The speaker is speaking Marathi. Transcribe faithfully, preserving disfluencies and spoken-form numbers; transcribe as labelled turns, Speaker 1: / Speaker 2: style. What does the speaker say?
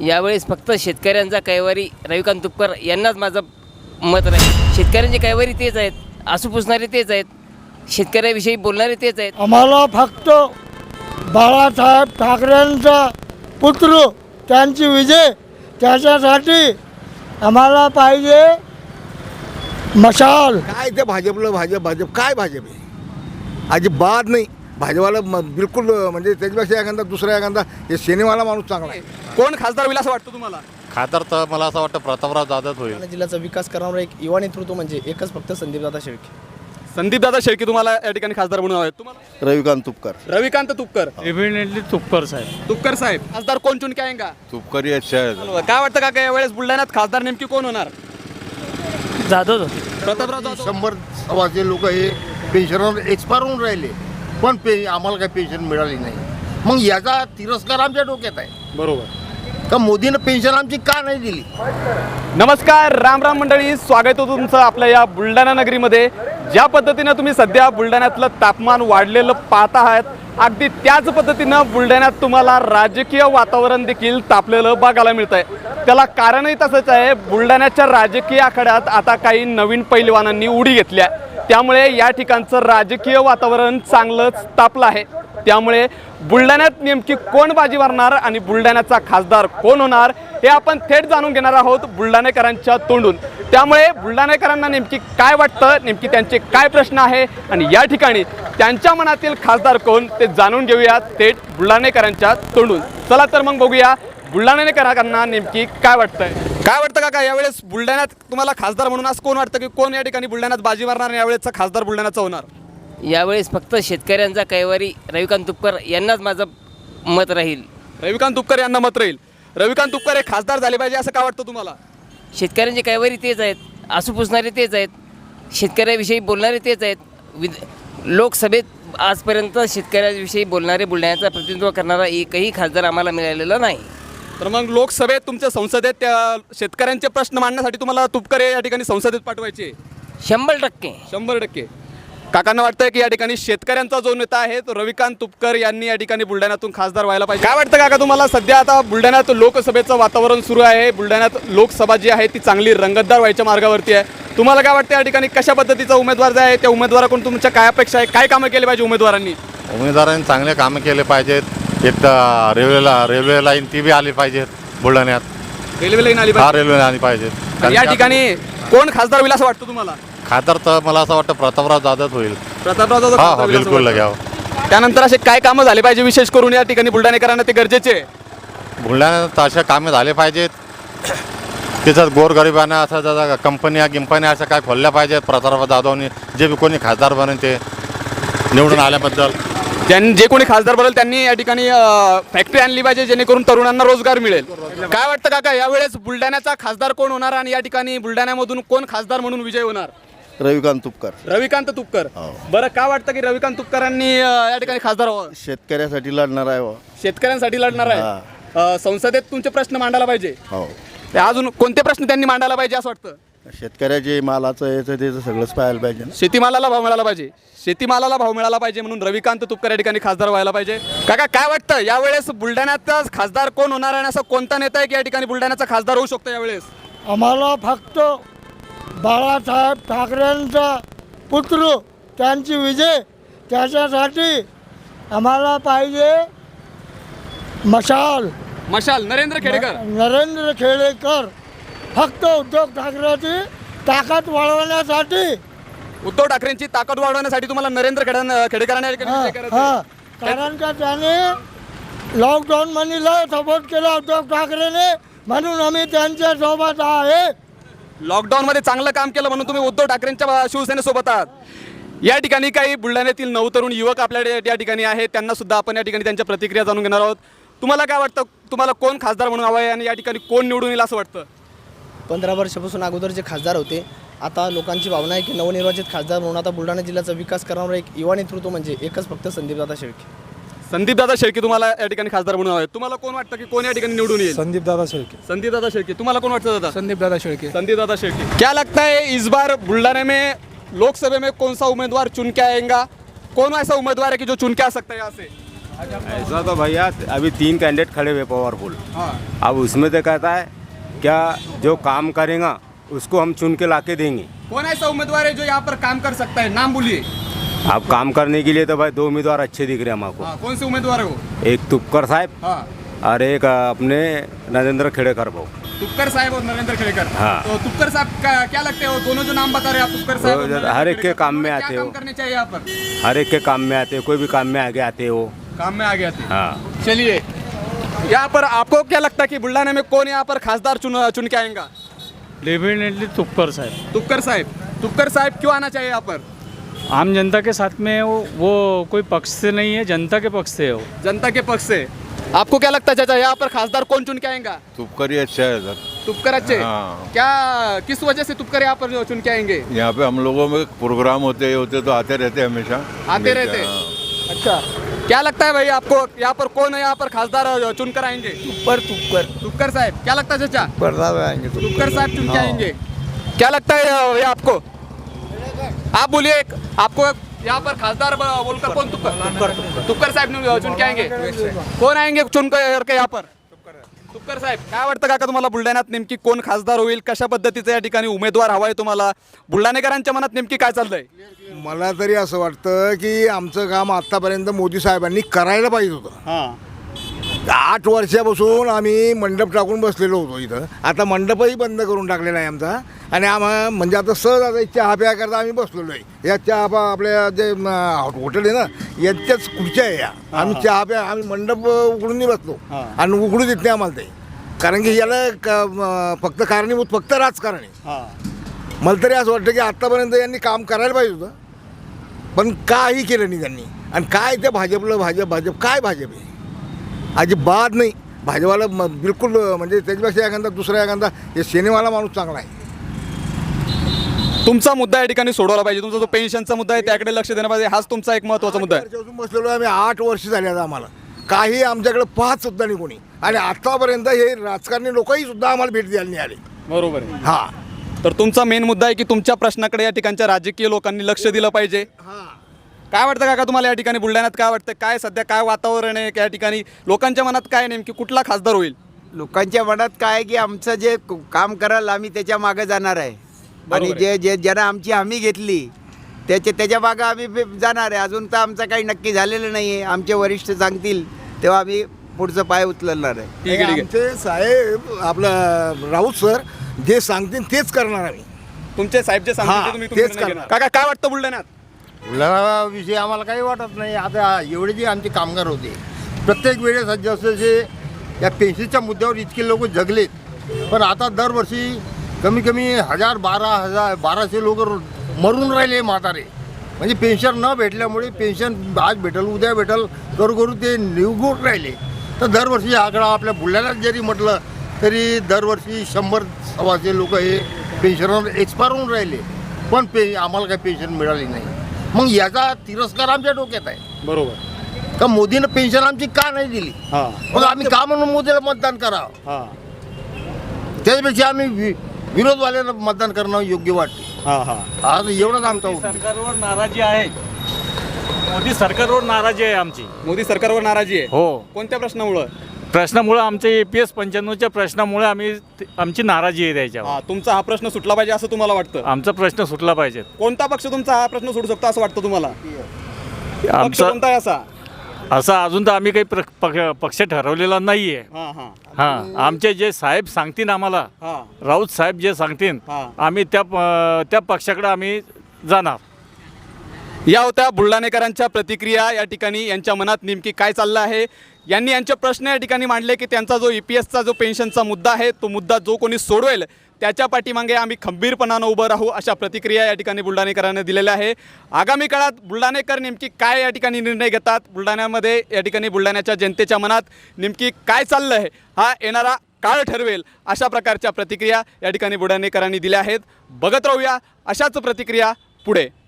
Speaker 1: यावेळेस फक्त शेतकऱ्यांचा कैवारी रविकांत तुपकर यांनाच माझं मत राहील. शेतकऱ्यांचे कैवारी तेच आहेत, आसू पुसणारे तेच आहेत, शेतकऱ्याविषयी बोलणारे तेच आहेत.
Speaker 2: आम्हाला फक्त बाळासाहेब ठाकरेंचा पुत्र त्यांची विजय, त्याच्यासाठी आम्हाला पाहिजे मशाल.
Speaker 3: काय ते भाजपला भाजप भाजप काय भाजप आहे अजिबात नाही. भाजपाला म- बिलकुल म्हणजे त्याच्यापेक्षा एखादा दुसरा एखादा हे सिनेमाला माणूस चांगला आहे.
Speaker 4: कोण खासदार होईल असं वाटतं तुम्हाला?
Speaker 5: खासदार तर मला असं वाटतं प्रतापराव जाधव होईल.
Speaker 6: बुलढाणा जिल्ह्याचा विकास करणारा एक युवा नेतृत्व म्हणजे एकच फक्त संदीपदादा शेळके.
Speaker 4: संदीपदादा शेळके तुम्हाला या ठिकाणी खासदार म्हणून हवे. तुम्हाला
Speaker 7: रविकांत तुपकर.
Speaker 4: रविकांत तुपकर.
Speaker 2: डेफिनेटली तुपकर साहेब.
Speaker 4: तुपकर साहेब खासदार कोण चुन के आएगा?
Speaker 7: तुपकरी अच्छा आहे.
Speaker 4: काय वाटतं का काय वेळेस बुलढाण्यात खासदार नेमकी कोण होणार?
Speaker 2: जाधव
Speaker 4: प्रतापराव जाधव.
Speaker 3: शंभर सव्वाशे लोक हे पेन्शनवर एक्सपायर होऊन राहिले, पण पे आम्हाला काही पेन्शन मिळाली नाही. मग याचा तिरस्कार आमच्या डोक्यात आहे
Speaker 4: बरोबर.
Speaker 3: का मोदीनं पेन्शन आमची का नाही दिली.
Speaker 4: नमस्कार, राम राम मंडळी, स्वागत आहे तुमचं आपल्या या बुलढाणा नगरीमध्ये. ज्या पद्धतीनं तुम्ही सध्या बुलढाण्यातलं तापमान वाढलेलं पाहत आहात, अगदी त्याच पद्धतीनं बुलढाण्यात तुम्हाला राजकीय वातावरण देखील तापलेलं बघायला मिळत आहे. त्याला कारणही तसंच आहे. बुलढाण्याच्या राजकीय आखाड्यात आता काही नवीन पैलवानांनी उडी घेतली आहे, त्यामुळे या ठिकाणचं राजकीय वातावरण चांगलंच तापलं आहे. त्यामुळे बुलढाण्यात नेमकी कोण बाजी मारणार आणि बुलढाण्याचा खासदार कोण होणार हे आपण थेट जाणून घेणार आहोत बुलढाणेकरांच्या तोंडून. त्यामुळे बुलढाणेकरांना नेमकी काय वाटतं, नेमकी त्यांचे काय प्रश्न आहे आणि या ठिकाणी त्यांच्या मनातील खासदार कोण ते जाणून घेऊया थेट बुलढाणेकरांच्या तोंडून. चला तर मग बघूया बुलढाणेकरांना नेमकी काय वाटतंय. काय वाटतं काका, यावेळेस बुलढाण्यात तुम्हाला खासदार म्हणून असं कोण वाटतं की कोण या ठिकाणी बुलढाण्यात बाजी मारणार आणि यावेळेसचा खासदार बुलढाण्याचा होणार?
Speaker 1: यावेळेस फक्त शेतकऱ्यांचा कैवारी रविकांत तुपकर यांनाच माझं मत राहील.
Speaker 4: रविकांत तुपकर यांना मत राहील. रविकांत तुपकर हे खासदार झाले पाहिजे असं का वाटतं तुम्हाला?
Speaker 1: शेतकऱ्यांचे कैवारी तेच आहेत, आसू पुसणारे तेच आहेत, शेतकऱ्याविषयी बोलणारे तेच आहेत. विध लोकसभेत आजपर्यंत शेतकऱ्याविषयी बोलणारे, बुलढाण्याचं प्रतिनिधित्व करणारा एकही खासदार आम्हाला मिळालेला नाही.
Speaker 4: तर मग लोकसभेत तुमच्या संसदेत त्या शेतकऱ्यांचे प्रश्न मांडण्यासाठी तुम्हाला तुपकर या ठिकाणी संसदेत पाठवायचे?
Speaker 1: शंभर टक्के
Speaker 4: शंभर टक्के काकांना वाटतंय की या ठिकाणी शेतकऱ्यांचा जो नेता आहे तो रविकांत तुपकर यांनी या ठिकाणी बुलढाण्यातून खासदार व्हायला पाहिजे. काय वाटतं काका तुम्हाला? सध्या आता बुलढाण्यात लोकसभेचं वातावरण सुरू आहे. बुलढाण्यात लोकसभा जी आहे ती चांगली रंगतदार व्हायच्या मार्गावरती आहे. तुम्हाला काय वाटतं या ठिकाणी कशा पद्धतीचा उमेदवार जे आहे त्या उमेदवाराकडून तुमच्या काय अपेक्षा आहे? काय कामं केली पाहिजे उमेदवारांनी?
Speaker 5: उमेदवारांनी चांगले कामं केले पाहिजेत. एक तर रेल्वेला रेल्वे लाईन ती बी आली पाहिजेत बुलढाण्यात.
Speaker 4: रेल्वे लाईन आली
Speaker 5: हा
Speaker 4: पाहिजे.
Speaker 5: रेल्वे आली पाहिजे.
Speaker 4: या ठिकाणी कोण खासदार होईल असं वाटतं तुम्हाला?
Speaker 5: खासदार तर मला असं वाटतं प्रतापराव जाधव होईल.
Speaker 4: प्रतापराव जाधव
Speaker 5: हा
Speaker 4: खासदार
Speaker 5: हा
Speaker 4: होईल असं
Speaker 5: बिलकुल
Speaker 4: वाटतं.
Speaker 5: घ्यावं.
Speaker 4: त्यानंतर असे काय कामं झाले पाहिजे विशेष करून या ठिकाणी बुलढाणेकरांना ते गरजेचे आहे?
Speaker 5: बुलढाण्यात असे कामे झाले पाहिजेत. त्याच्यात गोरगरिबांना असं जरा कंपन्या गिंपन्या अशा काय खोलल्या पाहिजेत. प्रतापराव जाधवनी जे बी कोणी खासदार बनेल ते निवडून आल्याबद्दल.
Speaker 4: ज्यांनी जे कोणी खासदार बनल त्यांनी या ठिकाणी फॅक्टरी आणली पाहिजे जेणेकरून तरुणांना रोजगार मिळेल. काय वाटतं काका, यावेळेस बुलढाण्याचा खासदार कोण होणार आणि या ठिकाणी बुलढाण्यामधून कोण खासदार म्हणून विजय होणार?
Speaker 7: रविकांत तुपकर.
Speaker 4: रविकांत तुपकर. बरं, काय वाटतं की रविकांत तुपकरांनी अं, या ठिकाणी खासदार व्हावं?
Speaker 7: शेतकऱ्यासाठी लढणार आहे हो.
Speaker 4: शेतकऱ्यांसाठी लढणार आहे. अं, संसदेत तुमचे प्रश्न मांडायला पाहिजे.
Speaker 7: हो.
Speaker 4: ते अजून कोणते प्रश्न त्यांनी मांडायला पाहिजे असं वाटतं?
Speaker 7: शेतकऱ्याचे मालाचं याचं त्याचं सगळंच पाहायला पाहिजे ना.
Speaker 4: शेतीमालाला भाव मिळाला पाहिजे. शेतीमालाला भाव मिळाला पाहिजे म्हणून रविकांत तुपकर या ठिकाणी खासदार व्हायला पाहिजे. काका काय वाटतं यावेळेस बुलढाण्याचा खासदार कोण होणार आणि असा कोणता नेता आहे की या ठिकाणी बुलढाण्याचा खासदार होऊ शकतो यावेळेस?
Speaker 2: आम्हाला फक्त बाळासाहेब ठाकरेंचा पुत्र त्यांची विजय, त्याच्यासाठी आम्हाला पाहिजे मशाल.
Speaker 4: मशाल नरेंद्र खेडेकर.
Speaker 2: नरेंद्र खेडेकर. फक्त उद्धव ठाकरेची ताकद वाढवण्यासाठी.
Speaker 4: उद्धव ठाकरेंची ताकद वाढवण्यासाठी तुम्हाला नरेंद्र खेडे खेडेकरांना या ठिकाणी
Speaker 2: हा,
Speaker 4: विजय करायचा
Speaker 2: हा.
Speaker 4: आहे.
Speaker 2: कारण का त्याने लॉकडाऊन मनीला सपोर्ट केला उद्धव ठाकरेने, म्हणून आम्ही त्यांच्या सोबत आहे.
Speaker 4: लॉकडाऊन मध्ये चांगलं काम केलं म्हणून तुम्ही उद्धव ठाकरेंच्या शिवसेनेसोबत आहात. या ठिकाणी काही बुलढाण्यातील नवतरुण युवक आपल्या या ठिकाणी आहेत, त्यांना सुद्धा आपण या ठिकाणी त्यांच्या प्रतिक्रिया जाणून घेणार आहोत. तुम्हाला काय वाटतं, तुम्हाला कोण खासदार म्हणून हवं आहे आणि या ठिकाणी कोण निवडून येईल असं वाटतं?
Speaker 6: पंधरा वर्षापासून अगोदर जे खासदार होते, आता लोकांची भावना आहे की नवनिर्वाचित खासदार म्हणून आता बुलढाणा जिल्ह्याचा विकास करणारा एक युवा नेतृत्व म्हणजे एकच फक्त संदीपदादा शेळके.
Speaker 4: संदीपदादा शेळके तुम्हाला या ठिकाणी खासदार म्हणून हवे. तुम्हाला कोण वाटतं की कोण या ठिकाणी निवडून येईल?
Speaker 2: संदीपदादा शेळके.
Speaker 4: संदीपदादा शेळके. तुम्हाला कोण वाटतं दादा?
Speaker 2: संदीपदादा शेळके.
Speaker 4: संदीपदादा शेळके. क्या लगता है इस बार बुल्ढाना में लोकसभा में कौन सा उम्मीदवार चुन के आएगा? कौन ऐसा उम्मीदवार है कि जो चुन के आ सकता है यहाँ से?
Speaker 8: ऐसा तो भैया अभी तीन कैंडिडेट खड़े हुए पावरफुल।
Speaker 4: हाँ
Speaker 8: अब उसमें तो कहता है क्या जो काम करेगा उसको हम चुन के लाके देंगे।
Speaker 4: कौन ऐसा उम्मीदवार है जो यहाँ पर काम कर सकता है, नाम बोलिए।
Speaker 8: अब काम करने के लिए तो भाई दो उम्मीदवार अच्छे दिख रहे हैं हमको।
Speaker 4: हाँ, कौन से उम्मीदवार है वो?
Speaker 8: एक तुपकर साहब
Speaker 4: हाँ,
Speaker 8: और एक अपने नरेंद्र खेड़ेकर भाऊ।
Speaker 4: तुपकर साहब और नरेंद्र खेड़ेकर।
Speaker 8: हाँ।
Speaker 4: तो तुपकर साहब का क्या लगता है, वो दोनों जो नाम बता रहे हैं आप, तुपकर साहब और
Speaker 8: वो
Speaker 4: नरेंद्र
Speaker 8: हर एक के
Speaker 4: खेड़ेकर,
Speaker 8: काम में
Speaker 4: उन्होंने
Speaker 8: आते
Speaker 4: क्या
Speaker 8: हो।
Speaker 4: काम करने चाहिए यहाँ पर?
Speaker 8: हर एक के काम में आते हैं, कोई भी काम में आगे आते हो।
Speaker 4: काम में आ गया थे।
Speaker 8: हाँ
Speaker 4: चलिए, यहाँ पर आपको क्या लगता है कि बुल्ढाना में कौन यहाँ पर खासदार चुन चुन के आएगा?
Speaker 9: डेफिनेटली तुपकर साहब।
Speaker 4: तुपकर साहब। तुपकर साहब क्यों आना चाहिए यहाँ पर?
Speaker 9: आम जनता के साथ में है वो वो कोई पक्ष से नहीं है, जनता के पक्ष से है वो।
Speaker 4: जनता के पक्ष से। आपको क्या लगता है चाचा, यहाँ पर खासदार कौन चुन के आएगा?
Speaker 7: तुपकर ही अच्छा है सर।
Speaker 4: तुपकर अच्छे।
Speaker 7: हाँ।
Speaker 4: क्या किस वजह से तुपकर यहाँ पर चुन के आएंगे?
Speaker 7: यहाँ पे हम लोगों में प्रोग्राम होते होते तो आते रहते हमेशा।
Speaker 4: आते रहते।
Speaker 7: हाँ।
Speaker 4: अच्छा, क्या लगता है भाई आपको, यहाँ पर कौन है यहाँ पर खासदार चुन कर आएंगे?
Speaker 2: तुपकर तुपकर
Speaker 4: तुपकर साहब। क्या लगता है चाचा?
Speaker 2: पर्दा में आएंगे
Speaker 4: तुपकर साहब चुन के आएंगे। क्या लगता है भैया आपको? आप बोलिए, एक- आपको यहाँ पर खासदार ब- बोलकर कौन? तुपकर तुपकर साहेब चुन के आएंगे। कोण आएंगे चुन करके यहाँ पर? तुपकर साहेब. काय वाटतं काका तुम्हाला बुलढाण्यात नेमकी कोण खासदार होईल, कशा पद्धतीचा या ठिकाणी उमेदवार हवा आहे तुम्हाला, बुलढाणेकरांच्या मनात नेमकी काय चाललंय?
Speaker 3: मला तरी असं वाटतं की आमचं काम आत्तापर्यंत मोदी साहेबांनी करायला पाहिजे होतं.
Speaker 4: हां,
Speaker 3: आठ वर्षापासून आम्ही मंडप टाकून बसलेलो होतो इथं. आता मंडपही बंद करून टाकलेला आहे आमचा. आणि आम्हा म्हणजे आता सहज आता चहा प्या करता आम्ही बसलेलो आहे. या चहा पा आपल्या जे म, हॉटेल आहे ना यांच्याच खुर्च्या आहे या. आम्ही चहा प्या आम्ही मंडप उघडून नाही बसलो आणि उघडू देत नाही आम्हाला ते. कारण की याला क- म, फक्त कारणीभूत फक्त राजकारण आहे. मला तरी असं वाटतं की आत्तापर्यंत यांनी काम करायला पाहिजे होतं, पण काही केलं नाही त्यांनी. आणि काय ते भाजपला भाजप भाजप काय भाजप आहे अजिबात नाही. भाजपाला म- बिलकुल म्हणजे त्याच्यापेक्षा एखादा दुसरा एखादा हे सेनेवाला माणूस चांगला आहे.
Speaker 4: तुमचा मुद्दा या ठिकाणी सोडवला पाहिजे, तुमचा जो पेन्शनचा मुद्दा आहे त्याकडे लक्ष देणं पाहिजे, हाच तुमचा एक महत्त्वाचा मुद्दा आहे.
Speaker 3: वर्षापासून बसलेलो आहे आम्ही. आठ वर्ष झाले आता आम्हाला काही आमच्याकडे पाहत सुद्धा नाही कोणी. आणि आतापर्यंत हे राजकारणी लोकही सुद्धा आम्हाला भेट द्यायला नाही आले.
Speaker 4: बरोबर आहे.
Speaker 3: हां
Speaker 4: तर तुमचा मेन मुद्दा आहे की तुमच्या प्रश्नाकडे या ठिकाणच्या राजकीय लोकांनी लक्ष दिलं पाहिजे.
Speaker 3: हां
Speaker 4: काय वाटतं काका तुम्हाला या ठिकाणी बुलढाण्यात काय वाटतं, काय सध्या काय वातावरण आहे या ठिकाणी, लोकांच्या मनात काय नेमकी कुठला खासदार होईल?
Speaker 10: लोकांच्या मनात काय आहे की आमचं जे क- काम कराल आम्ही त्याच्या मागे जाणार आहे. आणि
Speaker 4: बरोबर
Speaker 10: जे जे ज्यांना आमची हमी घेतली त्याच्या त्याच्या मागं आम्ही बी जाणार आहे. अजून तर आमचं काही नक्की झालेलं नाही आहे. आमचे वरिष्ठ सांगतील तेव्हा आम्ही पुढचं पाय उचलणार आहे.
Speaker 4: ठीक आहे, ठीक आहे.
Speaker 3: आमचे साहेब आपलं राऊत सर जे सांगतील तेच करणार आम्ही.
Speaker 4: तुमचे साहेब जे सांगतील
Speaker 3: हां,
Speaker 4: ते तुम्ही तुम्ही
Speaker 3: तेच
Speaker 4: निर्णय
Speaker 3: करणार.
Speaker 4: घेणार. काका काय वाटतं बुलढाण्यात?
Speaker 11: विषयी आम्हाला काही वाटत नाही. आता एवढे जे आमचे कामगार होते प्रत्येक वेळेस जसे जे या पेन्शनच्या मुद्द्यावर इतके लोक जगलेत, पण आता दरवर्षी कमी कमी हजार बारा हजार बाराशे लोक मरून राहिले म्हातारे. म्हणजे पेन्शन न भेटल्यामुळे पेन्शन आज भेटल उद्या भेटल करू करू ते निवगून राहिले. तर दरवर्षी हा आकडा आपल्या बुलढाण्यात जरी म्हटलं तरी दरवर्षी शंभर सव्वाशे लोक हे पेन्शनवर एक्सपायर होऊन राहिले, पण पे आम्हाला काही पेन्शन मिळाली नाही. मग याचा तिरस्कार आमच्या डोक्यात आहे.
Speaker 4: बरोबर.
Speaker 11: का मोदीनं पेन्शन आमची का नाही दिली? मग आम्ही का म्हणून मोदीला मतदान करावं? त्याच्यापेक्षा आम्ही वि विरोधवाल्यांना मतदान करणं योग्य वाटते. आज एवढंच आमचा उद्देश.
Speaker 9: सरकारवर नाराजी आहे, मोदी सरकारवर नाराजी आहे आमची.
Speaker 4: मोदी सरकारवर नाराजी आहे.
Speaker 9: हो,
Speaker 4: कोणत्या प्रश्नामुळं?
Speaker 9: प्रश्नामुळे आमच्या ए पी एस पंच्याण्णवच्या प्रश्नामुळे आम्ही आमची नाराजी आहे त्याच्यावर.
Speaker 4: हा, तुमचा हा प्रश्न सुटला पाहिजे असं तुम्हाला वाटतं?
Speaker 9: आमचा प्रश्न सुटला पाहिजे.
Speaker 4: कोणता पक्ष तुमचा हा प्रश्न सोडू शकतो असं वाटतं तुम्हाला? पक्ष
Speaker 9: आमचा
Speaker 4: कोणता आहे असा?
Speaker 9: असा अजून तर आम्ही काही प्र- पक्ष- पक्ष ठरवलेला नाही आहे.
Speaker 4: हां हां
Speaker 9: हां, आमचे जे साहेब सांगतील आम्हाला,
Speaker 4: हां
Speaker 9: राऊत साहेब जे सांगतील
Speaker 4: हां.
Speaker 9: आम्ही त्या प- त्या पक्षाकडे आम्ही जाणार.
Speaker 4: या होत्या बुलढाणेकरांच्या प्रतिक्रिया. या ठिकाणी यांच्या मनात नेमकी काय चाललं आहे, यांनी यांचे प्रश्न या ठिकाणी मांडले की त्यांचा जो ई पी एसचा जो पेन्शनचा मुद्दा आहे तो मुद्दा जो कोणी सोडवेल त्याच्या पाठीमागे आम्ही खंबीरपणानं उभं राहू, अशा प्रतिक्रिया या ठिकाणी बुलढाणेकरांनी दिलेल्या आहे. आगामी काळात बुलढाणेकर नेमकी काय या ठिकाणी निर्णय घेतात, बुलढाण्यामध्ये या ठिकाणी बुलढाण्याच्या जनतेच्या मनात नेमकी काय चाललं आहे हा येणारा काळ ठरवेल, अशा प्रकारच्या प्रतिक्रिया या ठिकाणी बुलढाणेकरांनी दिल्या आहेत. बघत राहूया अशाच प्रतिक्रिया पुढे.